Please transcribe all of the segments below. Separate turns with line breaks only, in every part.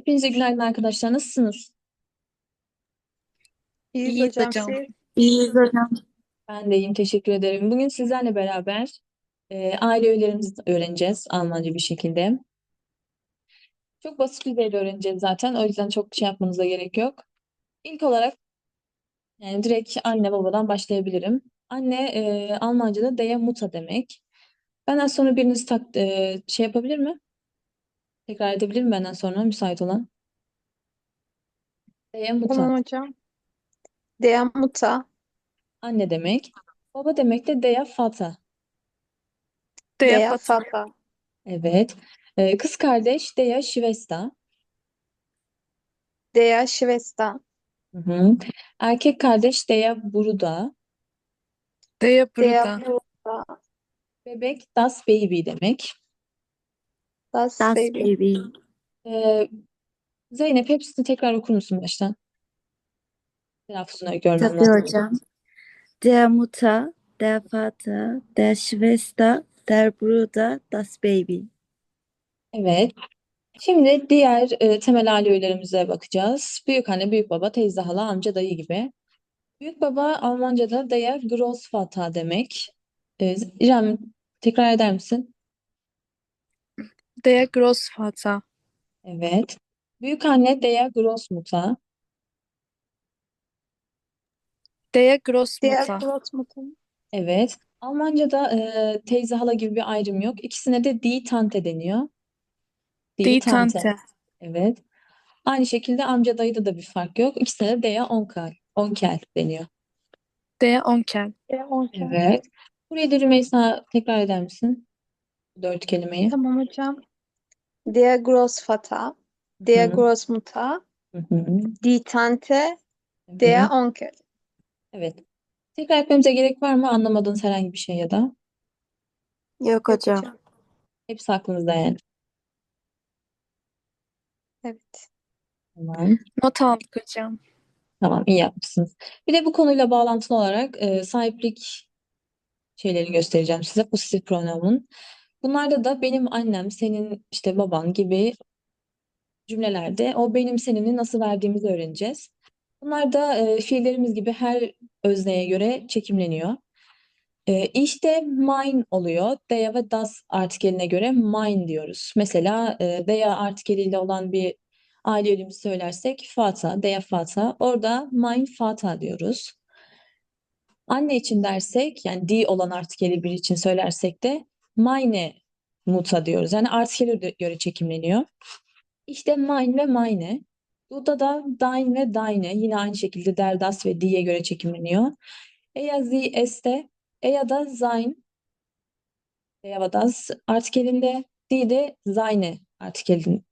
Hepinize günaydın arkadaşlar. Nasılsınız?
İyiyiz
İyiyiz
hocam
hocam.
siz.
İyiyiz hocam.
Ben de iyiyim. Teşekkür ederim. Bugün sizlerle beraber aile öğelerimizi öğreneceğiz Almanca bir şekilde. Çok basit düzeyde öğreneceğiz zaten. O yüzden çok şey yapmanıza gerek yok. İlk olarak yani direkt anne babadan başlayabilirim. Anne Almanca'da der Mutter demek. Benden sonra biriniz şey yapabilir mi? Tekrar edebilir mi benden sonra müsait olan? Der Mutter.
Tamam hocam. Der Mutter,
Anne demek. Baba demek de der Vater.
der
Deyafat.
Vater,
Evet. Kız kardeş der Schwester.
der Schwester,
Hı hı. Erkek kardeş Deya Buruda.
Deya
der
burada.
Bruder,
Bebek Das Baby demek.
das
Das
Baby.
Baby.
Ee, Zeynep hepsini tekrar okur musun baştan? Telaffuzunu görmem
Tabii
lazım.
hocam. Der Mutter, der Vater, der Schwester, der Bruder, das Baby.
Evet. Şimdi diğer temel aile üyelerimize bakacağız. Büyük anne, büyük baba, teyze, hala, amca, dayı gibi. Büyük baba Almanca'da der Großvater demek. İrem tekrar eder misin?
Der Großvater.
Evet. Büyük anne der Großmutter.
Der
Der
Großmutter.
Großmutter,
Evet. Almanca'da teyze hala gibi bir ayrım yok. İkisine de die Tante deniyor. Die
Die
Tante.
Tante.
Evet. Aynı şekilde amca dayıda da bir fark yok. İkisine de der Onkel. Onkel deniyor.
Der Onkel.
der Onkel.
Evet. Burayı da Rümeysa tekrar eder misin? Bu dört kelimeyi.
Tamam hocam. Der Großvater, der
Hı
Großmutter,
hı. Hı.
die Tante, der
Evet.
Onkel.
Evet. Tekrar etmemize gerek var mı? Anlamadığınız herhangi bir şey ya da.
Yok
Yok
hocam.
hocam.
Hepsi aklınızda yani.
Evet.
Tamam.
Not aldık hocam.
Tamam, iyi yapmışsınız. Bir de bu konuyla bağlantılı olarak sahiplik şeylerini göstereceğim size. Pozitif pronomun. Bunlarda da benim annem, senin işte baban gibi cümlelerde o benim senini nasıl verdiğimizi öğreneceğiz. Bunlar da fiillerimiz gibi her özneye göre çekimleniyor. İşte mine oluyor. Der ve das artikeline göre mine diyoruz. Mesela der artikeliyle olan bir aile üyemizi söylersek Vater, der Vater. Orada mein Vater diyoruz. Anne için dersek yani die olan artikeli bir için söylersek de meine Mutter diyoruz. Yani artikele göre çekimleniyor. İşte mine ve meine. Burada da dein ve deine yine aynı şekilde der, das ve die'ye göre çekimleniyor. Er, sie, este, er da sein, er ve das artikelinde, die de seine artikelinde.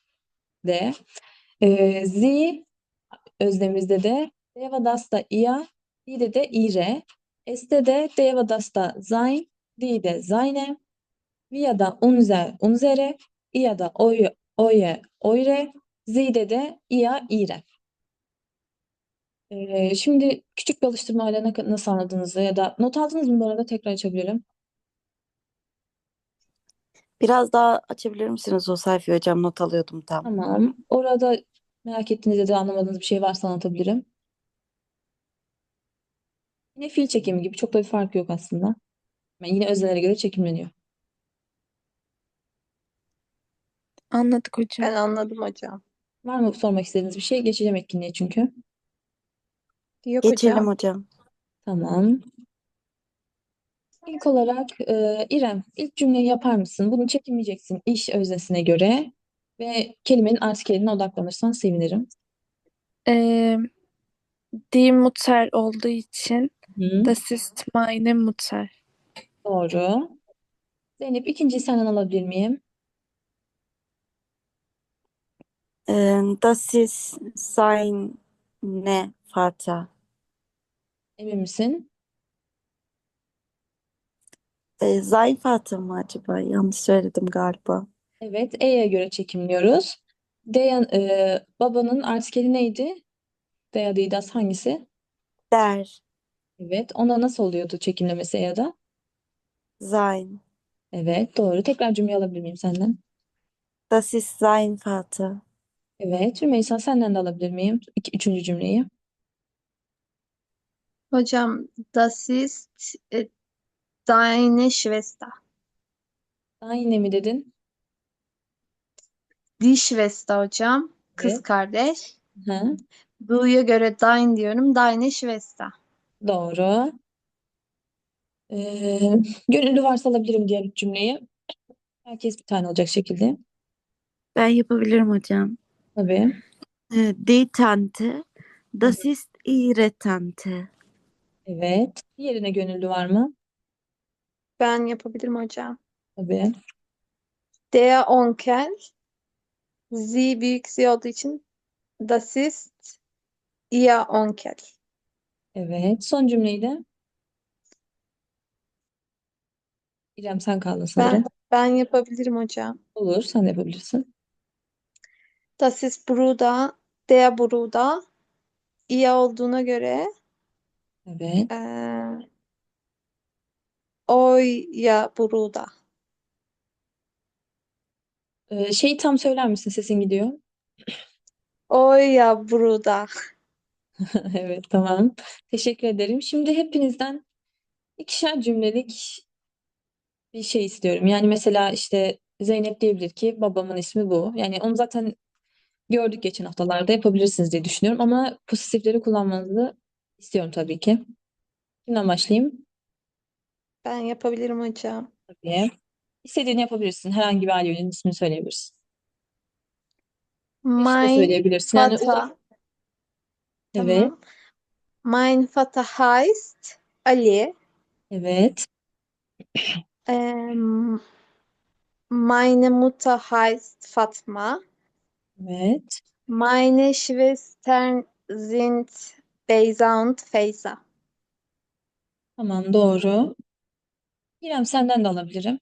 Sie özlemimizde de der ve das da ihr, die de ihre, este de der ve das da sein, die de seine, wir da unser, unsere, ihr da euer, eure, sie de ihr, ihre. Şimdi küçük bir alıştırmayla nasıl anladığınızı ya da not aldınız mı bu arada tekrar açabilirim.
Biraz daha açabilir misiniz o sayfayı hocam? Not alıyordum tam.
Tamam. Orada merak ettiğiniz ya da anlamadığınız bir şey varsa anlatabilirim. Yine fiil çekimi gibi çok da bir fark yok aslında. Yani yine öznelere göre çekimleniyor.
Anladık hocam.
Ben anladım hocam.
Var mı sormak istediğiniz bir şey? Geçeceğim etkinliğe çünkü.
Yok
Geçelim
hocam.
hocam.
Tamam. İlk olarak İrem, ilk cümleyi yapar mısın? Bunu çekimleyeceksin iş öznesine göre ve kelimenin artikeline odaklanırsan sevinirim.
Ee, Die Mutter olduğu için
Hı,
das ist meine Mutter.
doğru. Zeynep, ikinciyi senden alabilir miyim?
Das ist seine Vater.
Emin misin?
Sein Vater mı acaba? Yanlış söyledim galiba.
Evet, E'ye göre çekimliyoruz. Babanın artikeli neydi? Dea değil, das hangisi?
Der,
Evet, onda nasıl oluyordu çekimlemesi ya da?
sein.
Evet, doğru. Tekrar cümle alabilir miyim senden?
Das ist sein Vater.
Evet. Rümeysa senden de alabilir miyim? Üçüncü cümleyi.
Hocam, das ist deine Schwester.
Daha yine mi dedin?
Die Schwester hocam. Kız
Evet.
kardeş.
Hı,
Du'ya göre dein diyorum. Deine Schwester.
doğru. Gönüllü varsa alabilirim diğer üç cümleyi. Herkes bir tane olacak şekilde.
Ben yapabilirim hocam.
Tabii.
Die Tante,
Hı,
das ist ihre Tante.
evet. Diğerine gönüllü var mı?
Ben yapabilirim hocam.
Tabii.
Der Onkel. Sie büyük Z olduğu için das ist ihr Onkel.
Evet. Son cümleyi de İrem sen kaldın
Ben
sanırım.
ben yapabilirim hocam.
Olur. Sen de yapabilirsin.
Das ist Bruder. Der Bruder. Ihr olduğuna göre
Evet.
euer Bruder.
Şeyi tam söyler misin? Sesin gidiyor.
Euer Bruder.
Evet, tamam. Teşekkür ederim. Şimdi hepinizden ikişer cümlelik bir şey istiyorum. Yani mesela işte Zeynep diyebilir ki babamın ismi bu. Yani onu zaten gördük geçen haftalarda yapabilirsiniz diye düşünüyorum. Ama pozitifleri kullanmanızı istiyorum tabii ki. Kimden başlayayım?
Ben yapabilirim hocam.
Tabii. İstediğini yapabilirsin. Herhangi bir ailenin ismini söyleyebilirsin. Eşi de
Mein
söyleyebilirsin. Yani
Vater.
evet,
Tamam. Mein Vater heißt Ali.
evet,
Ähm, meine Mutter heißt Fatma.
evet.
Meine Schwestern sind Beyza und Feyza.
Tamam, doğru. İrem senden de alabilirim.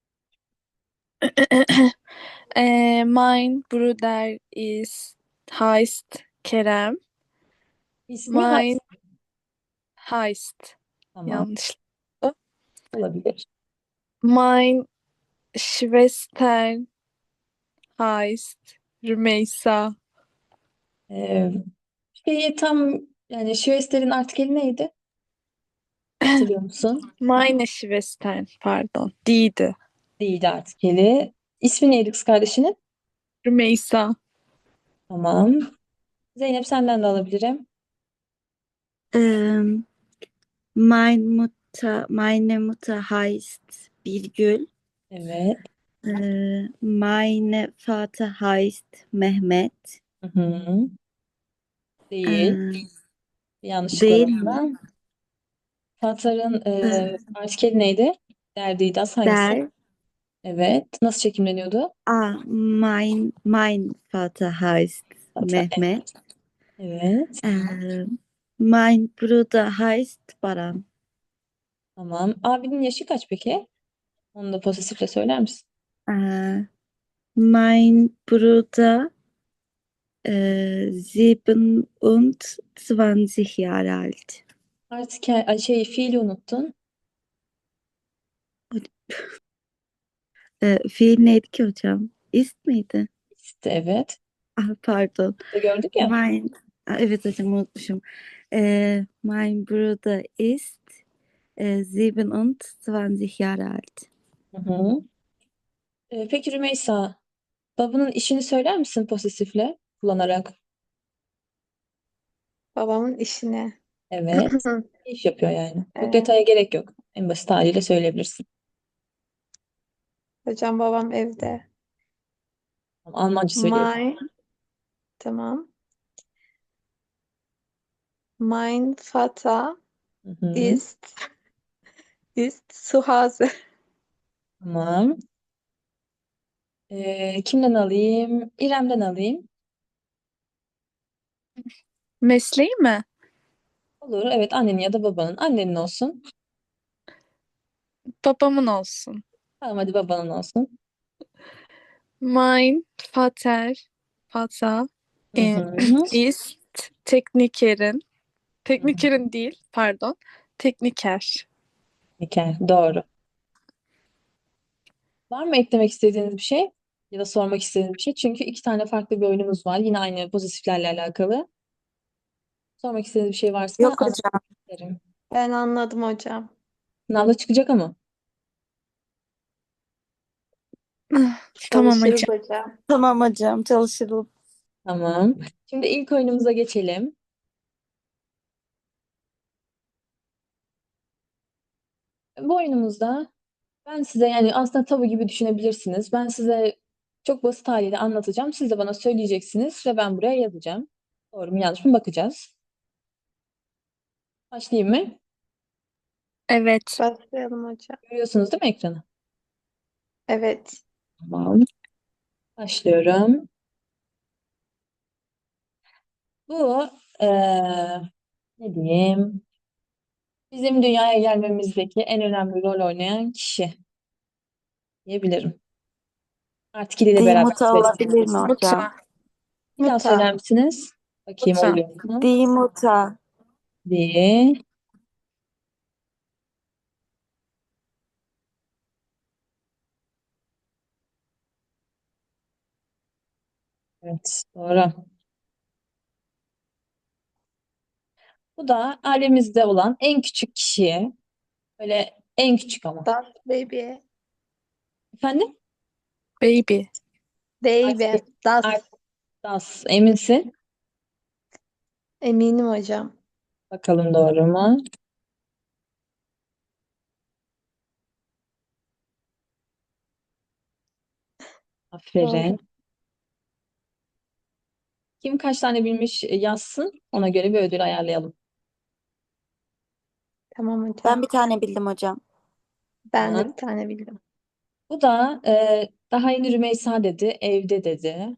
Mein Bruder ist, heißt Kerem.
İsmi
Mein heißt.
tamam,
Yanlış.
olabilir.
Mein Schwester heißt Rümeysa.
Ee, şeyi tam yani Şüester'in artikeli neydi? Hatırlıyor musun?
Meine Schwester, pardon. Didi.
Değildi artikeli. İsmi neydi kız kardeşinin?
Rümeysa.
Tamam. Zeynep senden de alabilirim.
Ähm, meine Mutter heißt Birgül.
Evet.
Meine Vater heißt Mehmet.
Hı hı. Değil.
Ee,
Bir yanlışlık var
değil mi?
orada. Tatar'ın
Ee,
artikeli neydi? Derdiydi. Hangisi?
der,
Evet. Nasıl çekimleniyordu?
mein Vater heißt
Tatar.
Mehmet.
Evet.
Mein Bruder heißt Baran.
Tamam. Abinin yaşı kaç peki? Onu da pozitifle söyler misin?
Äh, mein Bruder 27 Jahre alt.
Artık fiili unuttun.
Fiil neydi ki hocam? Ist miydi?
İşte evet.
Ah, pardon.
Da gördük ya.
Evet hocam unutmuşum. Mein Bruder ist 27 Jahre alt.
Hı hı. Peki Rümeysa, babanın işini söyler misin pozitifle kullanarak?
Babamın işine.
Evet. Ne iş yapıyor yani? Çok
Ee,
detaya gerek yok. En basit haliyle söyleyebilirsin.
hocam babam evde.
Almanca söylüyorum.
Mein, tamam. Mein Vater
Hı hı.
ist zu Hause.
Tamam. Kimden alayım? İrem'den alayım.
Mesleği mi?
Olur. Evet, annenin ya da babanın. Annenin olsun.
Babamın olsun.
Tamam, hadi babanın olsun.
Mein Vater
Hı hı.
ist Teknikerin. Teknikerin değil, pardon. Tekniker.
Doğru. Var mı eklemek istediğiniz bir şey? Ya da sormak istediğiniz bir şey. Çünkü iki tane farklı bir oyunumuz var. Yine aynı pozitiflerle alakalı. Sormak istediğiniz bir şey varsa
Yok
anlatmak
hocam.
isterim.
Ben anladım hocam.
Sınavda çıkacak ama.
Tamam
Çalışırız
hocam.
hocam.
Tamam hocam, çalışırım.
Tamam. Şimdi ilk oyunumuza geçelim. Bu oyunumuzda ben size, yani aslında tabu gibi düşünebilirsiniz. Ben size çok basit haliyle anlatacağım. Siz de bana söyleyeceksiniz ve ben buraya yazacağım. Doğru mu yanlış mı bakacağız. Başlayayım mı?
Evet.
Başlayalım hocam.
Görüyorsunuz değil mi ekranı?
Evet.
Tamam. Başlıyorum. Bu ne diyeyim? Bizim dünyaya gelmemizdeki en önemli rol oynayan kişi diyebilirim. Artikeliyle beraber
Dimuta olabilir mi
söyleyebiliriz.
hocam?
Muta.
Bir daha
Muta.
söyler misiniz? Bakayım
Muta.
oluyor mu?
Dimuta.
Diye. Evet, doğru. Bu da ailemizde olan en küçük kişiye, böyle en küçük ama.
Das baby.
Efendim?
Baby.
Baby.
Artık,
Das.
artık das, eminsin.
Eminim hocam.
Bakalım doğru mu?
Doğru.
Aferin. Kim kaç tane bilmiş yazsın. Ona göre bir ödül ayarlayalım.
Tamam hocam.
Ben bir tane bildim hocam.
Ben de
Tamam.
bir tane bildim.
Bu da daha yeni Rümeysa dedi, evde dedi.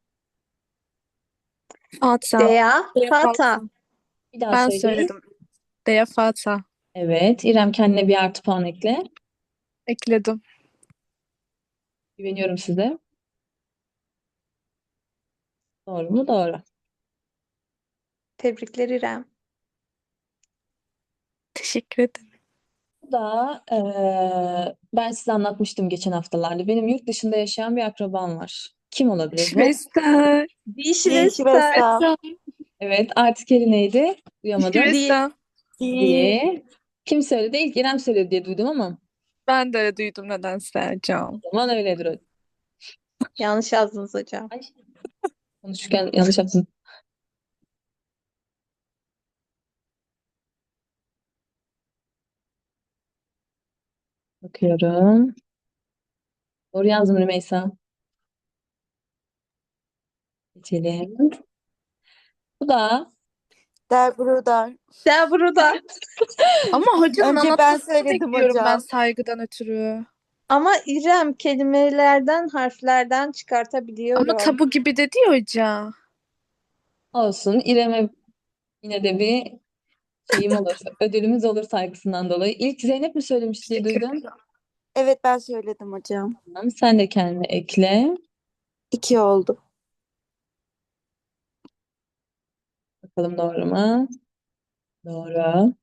Fata.
Dea.
Dea
Fata.
Fata.
Bir daha
Ben
söyleyin.
söyledim. Dea Fata.
Evet, İrem kendine bir artı puan ekle.
Ekledim.
Güveniyorum size. Doğru mu? Doğru.
Tebrikler İrem.
Teşekkür ederim.
Bu da ben size anlatmıştım geçen haftalarda. Benim yurt dışında yaşayan bir akrabam var. Kim olabilir bu?
Schwester.
Schwester.
Schwester.
Evet, artikeli neydi? Duyamadım.
Di.
Schwester.
Die.
Diye. Kim söyledi? İlk İrem söyledi diye duydum ama
Ben de duydum nedense
o
hocam.
zaman öyledir o.
Yanlış yazdınız hocam.
Ay, konuşurken yanlış yaptım. Bakıyorum. Doğru yazdım Rümeysa. Geçelim. Bu da
Der Bruder.
Der burada.
Ama hocanın
Önce ben
anlatmasını
söyledim
bekliyorum ben
hocam.
saygıdan ötürü.
Ama İrem kelimelerden, harflerden
Ama
çıkartabiliyorum.
tabu gibi dedi ya hoca.
olsun. İrem'e yine de bir şeyim olur. Ödülümüz olur saygısından dolayı. İlk Zeynep mi söylemiş diye
Teşekkür
duydum.
ederim.
Evet ben söyledim hocam.
Tamam, sen de kendine ekle.
2 oldu.
Bakalım doğru mu? Doğru.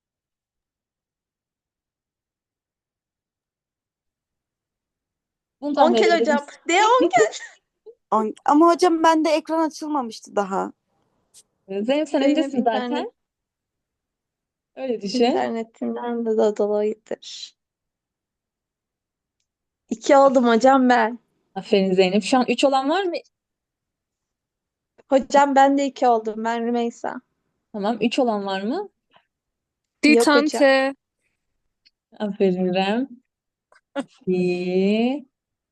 Bunu tahmin
Onkel
edebilir
hocam.
misin?
De onkel.
Ama hocam bende ekran açılmamıştı daha.
Zeynep sen
Zeynep
öndesin zaten. Öyle düşün.
internetinden de dolayıdır. 2 oldum hocam ben.
Aferin Zeynep. Şu an 3 olan var mı?
Hocam ben de 2 oldum. Ben Rümeysa.
Tamam. 3 olan var mı?
Yok hocam.
Ditante.
Aferin İrem. Bir.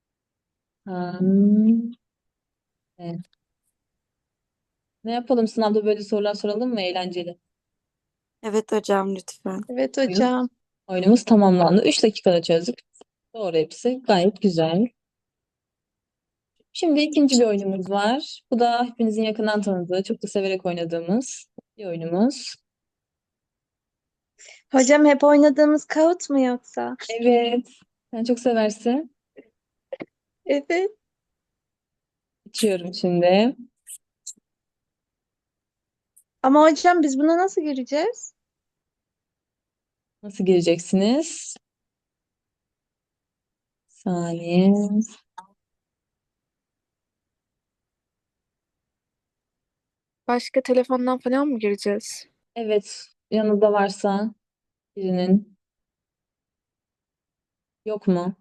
Tam. Evet. Ne yapalım? Sınavda böyle sorular soralım mı? Eğlenceli.
Evet hocam lütfen.
Evet
Oyun,
hocam.
oyunumuz tamamlandı. 3 dakikada çözdük. Doğru hepsi. Gayet güzel. Şimdi ikinci bir oyunumuz var. Bu da hepinizin yakından tanıdığı, çok da severek oynadığımız bir oyunumuz.
Hocam hep oynadığımız Kahoot mu yoksa?
Evet. Sen çok seversin.
Evet.
Açıyorum şimdi.
Ama hocam biz buna nasıl gireceğiz?
Nasıl gireceksiniz? Saniye.
Başka telefondan falan mı gireceğiz?
Evet, yanında varsa birinin. Yok mu?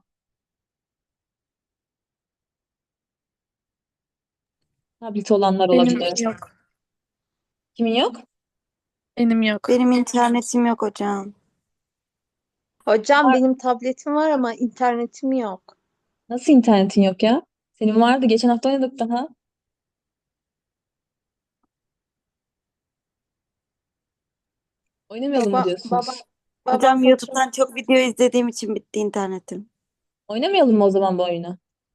Tablet olanlar
Benim
olabilir.
yok.
Kimin yok?
Benim yok.
Benim internetim yok hocam.
Hocam benim tabletim var ama internetim yok.
Nasıl internetin yok ya? Senin vardı. Geçen hafta oynadık daha. Oynamayalım mı
Baba, baba,
diyorsunuz?
babam
Hocam
fotoğraf.
YouTube'dan çok video izlediğim için bitti internetim.
Oynamayalım mı o zaman bu oyunu?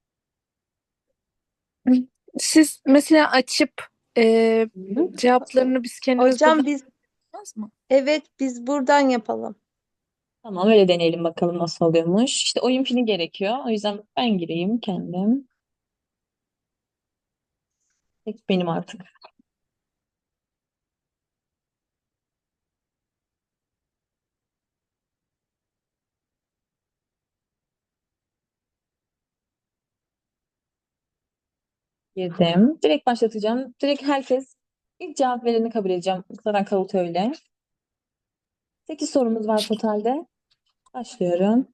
Siz mesela açıp
Hı.
cevaplarını biz kendimiz buradan
Hocam biz
yapmaz mı?
evet biz buradan yapalım.
Tamam, öyle deneyelim bakalım nasıl oluyormuş. İşte oyun pini gerekiyor. O yüzden ben gireyim kendim. Tek benim artık. Girdim. Direkt başlatacağım. Direkt herkes ilk cevap vereni kabul edeceğim. Zaten Kavut öyle. 8 sorumuz var totalde. Başlıyorum.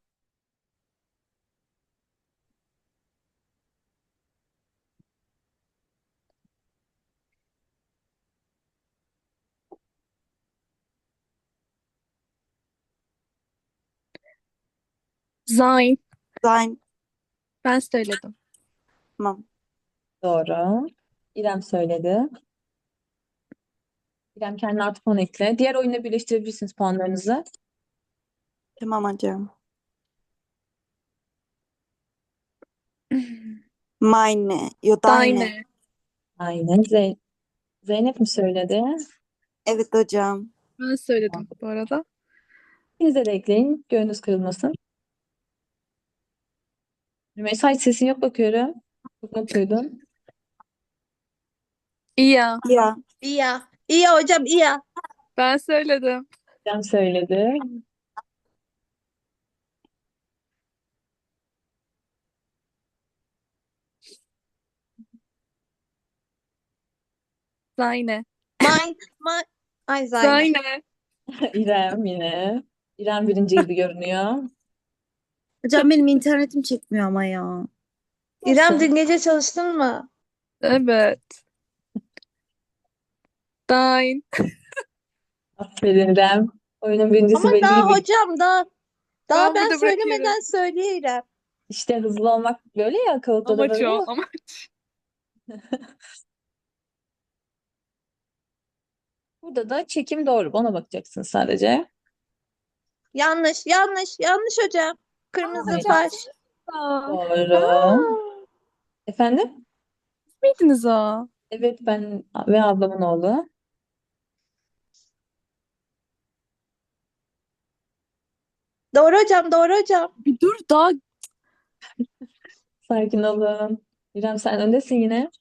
Zayn.
Zayn,
Ben söyledim.
tamam.
Doğru. İrem söyledi. İrem kendine artı puan ekle. Diğer oyunla birleştirebilirsiniz puanlarınızı.
Tamam hocam. Meine, yo deine.
Dayne.
Aynen. Zeynep mi söyledi?
Evet hocam.
Ben söyledim bu arada.
İkinize de ekleyin. Gönlünüz kırılmasın. Rümeysa hiç sesin yok bakıyorum. Çok mutluydun.
İya.
Ya,
İyi ya. İyi ya hocam iyi ya.
Ben söyledim.
İrem söyledi.
Zayne.
Mine. Ay Zayne.
Zayne.
İrem yine. İrem birinci gibi görünüyor.
Hocam benim internetim çekmiyor ama ya.
İrem
Olsun.
dün gece çalıştın mı?
Evet. Dayn.
Aferin İrem. Oyunun birincisi
Ama
belli
daha
gibi.
hocam daha
Ben
ben
burada bırakıyorum.
söylemeden söylüyor İrem.
İşte hızlı olmak böyle ya. Kağıtta da
Amaç
böyle
o.
ya.
Amaç.
Burada da çekim doğru. Ona bakacaksın sadece.
Yanlış hocam. Kırmızı
Hayır.
far.
Aa,
Doğru.
Aa,
Efendim?
miydiniz o?
Evet, ben ve ablamın oğlu.
doğru hocam, doğru hocam.
Bir dur daha.
Sakin olun. İrem sen öndesin yine.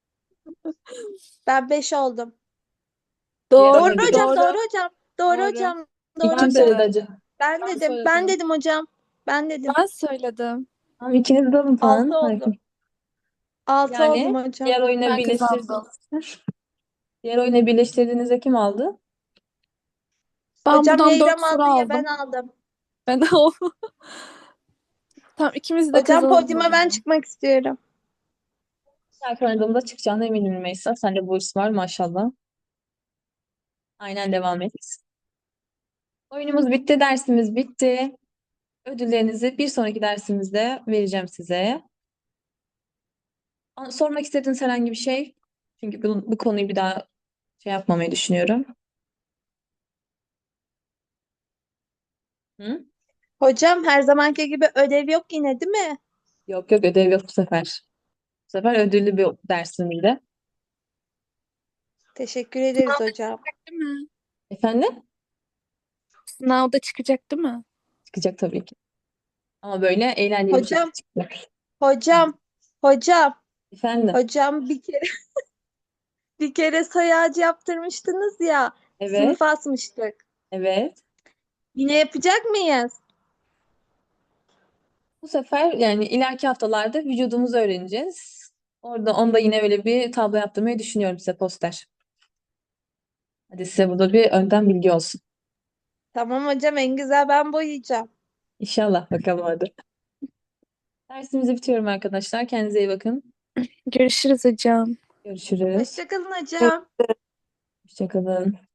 Ben 5 oldum.
Diğer
Doğru.
Doğru
oyuna bir
hocam,
Doğru.
doğru hocam. Doğru
Doğru.
hocam. Doğru
kim
Ben
hocam.
söyledi
dedim.
acı?
Ben
Ben
dedim. Ben
söyledim.
dedim hocam. Ben dedim.
Ben söyledim.
Tamam, ikiniz de alın
6
puan.
oldum.
Sakin.
6 oldum
Yani
hocam.
diğer oyuna
Ben kazandım.
diğer oyuna birleştirdiğinizde kim aldı?
Ben
Hocam ya
buradan 4
İrem
soru
aldı ya ben
aldım.
aldım.
Ben o. Tamam, ikimiz de
Hocam
kazanalım o
podyuma ben
zaman.
çıkmak istiyorum.
Belki oynadığımda çıkacağına eminim Rümeysa. Sende bu hırs var maşallah. Aynen, devam et. Oyunumuz bitti, dersimiz bitti. Ödüllerinizi bir sonraki dersimizde vereceğim size. Sormak istediğiniz herhangi bir şey? Çünkü bu konuyu bir daha şey yapmamayı düşünüyorum. Hı?
Hocam her zamanki gibi ödev yok yine değil mi?
Yok yok, ödev yok bu sefer. Bu sefer ödüllü bir dersimizde.
Teşekkür ederiz hocam.
Değil mi?
Efendim?
Sınavda çıkacak değil mi?
Çıkacak tabii ki. Ama böyle eğlenceli bir şekilde
Hocam,
çıkacak.
hocam, hocam,
Efendim?
hocam bir kere soy ağacı yaptırmıştınız ya.
Evet,
Sınıfa asmıştık.
evet.
Yine yapacak mıyız?
Bu sefer yani ileriki haftalarda vücudumuzu öğreneceğiz. Orada onda yine öyle bir tablo yaptırmayı düşünüyorum size, poster. Hadi size burada bir önden bilgi olsun.
Tamam hocam, en güzel ben boyayacağım.
İnşallah bakalım hadi. Dersimizi bitiriyorum arkadaşlar. Kendinize iyi bakın.
Görüşürüz hocam.
Görüşürüz.
Hoşça kalın hocam.
Hoşça kalın.